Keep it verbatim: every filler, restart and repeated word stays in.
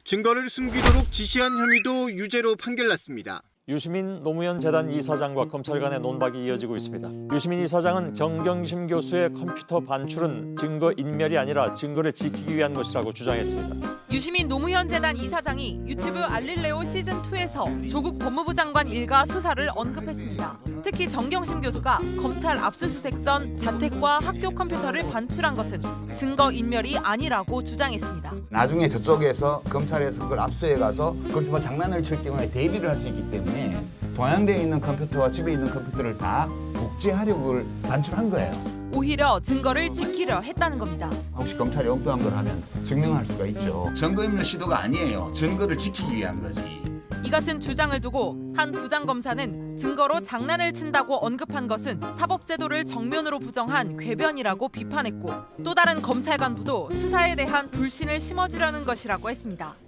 증거를 숨기도록 지시한 혐의도 유죄로 판결났습니다. 유시민 노무현 재단 이사장과 검찰 간의 논박이 이어지고 있습니다. 유시민 이사장은 정경심 교수의 컴퓨터 반출은 증거 인멸이 아니라 증거를 지키기 위한 것이라고 주장했습니다. 유시민 노무현 재단 이사장이 유튜브 알릴레오 시즌이에서 조국 법무부 장관 일가 수사를 언급했습니다. 특히 정경심 교수가 검찰 압수수색 전 자택과 학교 컴퓨터를 반출한 것은 증거 인멸이 아니라고 주장했습니다. 나중에 저쪽에서 검찰에서 그걸 압수해 가서 거기서 뭐 장난을 칠 경우에 대비를 할 수 있기 때문에 동양대에 있는 컴퓨터와 집에 있는 컴퓨터를 다 복제하려고 반출한 거예요. 오히려 증거를 지키려 했다는 겁니다. 혹시 검찰이 엉뚱한 걸 하면 증명할 수가 있죠. 증거인멸 시도가 아니에요. 증거를 지키기 위한 거지. 이 같은 주장을 두고 한 부장검사는 증거로 장난을 친다고 언급한 것은 사법제도를 정면으로 부정한 궤변이라고 비판했고, 또 다른 검찰 간부도 수사에 대한 불신을 심어주려는 것이라고 했습니다.